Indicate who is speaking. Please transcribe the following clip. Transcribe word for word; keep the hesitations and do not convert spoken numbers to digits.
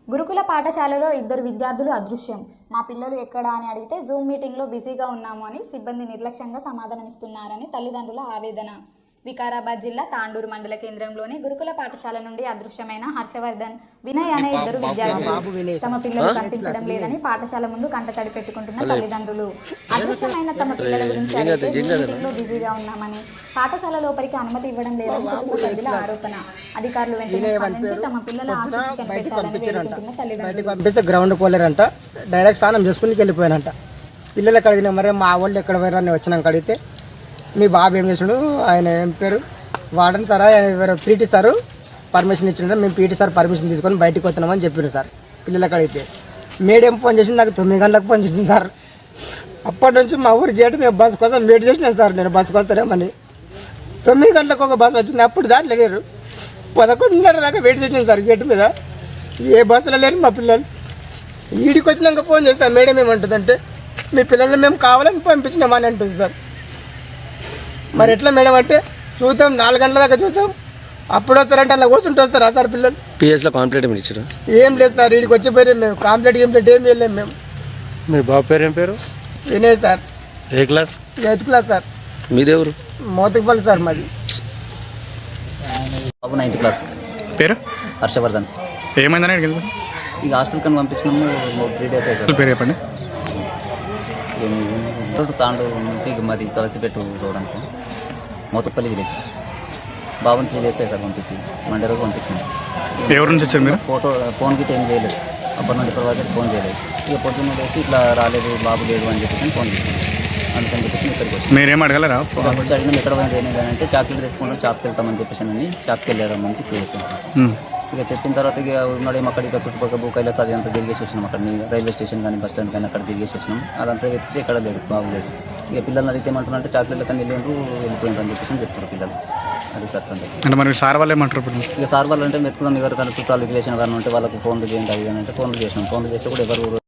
Speaker 1: గురుకుల పాఠశాలలో ఇద్దరు విద్యార్థులు అదృశ్యం. మా పిల్లలు ఎక్కడా అని అడిగితే జూమ్ మీటింగ్లో బిజీగా ఉన్నాము అని సిబ్బంది నిర్లక్ష్యంగా సమాధానమిస్తున్నారని తల్లిదండ్రుల ఆవేదన. వికారాబాద్ జిల్లా తాండూరు మండల కేంద్రంలోని గురుకుల పాఠశాల నుండి అదృశ్యమైన హర్షవర్ధన్, వినయ్ అనే ఇద్దరు విద్యార్థులు తమ పిల్లలు కనిపించడం లేదని పాఠశాల ముందు కంటతడి పెట్టుకుంటున్న తల్లిదండ్రులు. అదృశ్యమైన తమ పిల్లల గురించి అడిగితే జూమ్ మీటింగ్లో బిజీగా ఉన్నామని, పాఠశాల లోపలికి అనుమతి ఇవ్వడం లేదని కుటుంబ సభ్యుల ఆరోపణ. అధికారులు వెంటనే స్పందించి తమ పిల్లల ఆచూకీ కనిపెట్టాలని వేడుకుంటున్న తల్లిదండ్రులు.
Speaker 2: గ్రౌండ్ పోలేరంట, డైరెక్ట్ స్నానం చేసుకుని వెళ్ళిపోయానంట. పిల్లలకి అడిగిన మరి మా వాళ్ళు ఎక్కడ పోయారని వచ్చినాక అడిగితే మీ బాబు ఏం చేసినాడు, ఆయన ఏం పేరు వార్డెన్ సారా ఎవరు పీటీ సారు పర్మిషన్ ఇచ్చిండ, మేము పీటీ సార్ పర్మిషన్ తీసుకొని బయటకు వస్తున్నామని చెప్పారు సార్. పిల్లలకి అడిగితే మేడం ఫోన్ చేసింది, నాకు తొమ్మిది గంటలకు ఫోన్ చేసింది సార్. అప్పటి నుంచి మా ఊరి గేట్ మేము బస్సు కోసం వెయిట్ చేసినాను సార్. నేను బస్సుకు వస్తానేమని తొమ్మిది గంటలకు ఒక బస్సు వచ్చింది, అప్పుడు దాంట్లో లేరు. పదకొండున్నర దాకా వెయిట్ చేసినాను సార్ గేట్ మీద. ఏ బస్సులో లేరు మా పిల్లలు. ఈడికి వచ్చినాక ఫోన్ చేస్తాను, మేడం ఏమంటుందంటే మీ పిల్లల్ని మేము కావాలని పంపించినామని అంటుంది సార్. మరి ఎట్లా మేడం అంటే చూద్దాం, నాలుగు గంటల దాకా చూద్దాం, అప్పుడు వస్తారంటే అలా కూర్చుంటూ వస్తారా సార్ పిల్లలు?
Speaker 3: పిఎస్లో కాంప్లీట్ ఇచ్చారు
Speaker 2: ఏం లేదు సార్, వీడికి వచ్చిపోయి మేము కాంప్లీట్ కంప్లీట్ ఏం వెళ్ళాము మేము.
Speaker 3: మీ బాబు పేరు ఏం పేరు?
Speaker 2: వినయ్ సార్.
Speaker 3: ఏ క్లాస్?
Speaker 2: Eighth class sir.
Speaker 3: మీదెవరు?
Speaker 2: మోతకుపల్లి సార్ మాది.
Speaker 4: బాబు నైన్త్ క్లాస్.
Speaker 5: పేరు?
Speaker 4: హర్షవర్ధన్.
Speaker 5: ఏమైందని అడిగింది?
Speaker 4: ఇక హాస్టల్ కని పంపించినాము, త్రీ డేస్ అవుతుంది.
Speaker 5: పేరు చెప్పండి.
Speaker 4: ఏమి తాండూరు నుంచి ఇక మాది సలసిపెట్టు రోడ్డానికి మోతపల్లి విలేజ్. బాబుని త్రీ డేస్ అవుతారు పంపించి, మండే రోజు పంపించింది.
Speaker 5: ఎవరి నుంచి వచ్చారు మీరు?
Speaker 4: ఫోటో ఫోన్ గిట్ ఏం చేయలేదు, అప్పటి నుండి ఇప్పటి వరకు ఫోన్ చేయలేదు. ఇక పొద్దున్న లేసి ఇట్లా రాలేదు బాబు లేదు అని చెప్పేసి ఫోన్ చేసింది. అందుకని చెప్పేసి ఇక్కడికి వచ్చి
Speaker 5: మీరేం అడగలరా?
Speaker 4: వచ్చి అడిగినాం ఎక్కడ పోయింది ఏమైంది అని అంటే చాక్లెట్ తెచ్చుకుంటాం, షాప్కి వెళ్తామని చెప్పేసి అని షాప్కి వెళ్ళారు మంచి చెప్పాను. ఇక చెప్పిన తర్వాత ఇక ఉన్నాడేమో అక్కడ ఇక్కడ చుట్టుపక్కల భూ కైలాస్ అది అంతా తిరిగేసి వచ్చినాం. అక్కడ రైల్వే స్టేషన్ కానీ బస్ స్టాండ్ కానీ అక్కడ తిరిగేసి వచ్చినాం. అదంతా వెతికితే ఎక్కడ లేదు, బాగులేదు. ఇక పిల్లల్ని అడిగితే ఏమంటున్నారు అంటే చాక్లెట్ల కానీ వెళ్ళినారు వెళ్ళిపోయినారు అని చెప్పేసి చెప్తారు పిల్లలు. అది సార్ సంగతి.
Speaker 5: అంటే మరి సార్ వాళ్ళు ఏమంటారు?
Speaker 4: ఇక సార్ వాళ్ళు అంటే వెతుకుదాం, ఎవరికైనా చుట్టాలు రిలేషన్ కానీ ఉంటే వాళ్ళకు ఫోన్లు చేయండి అది అని అంటే ఫోన్లు చేసినాం. ఫోన్లు చేస్తే కూడా ఎవరు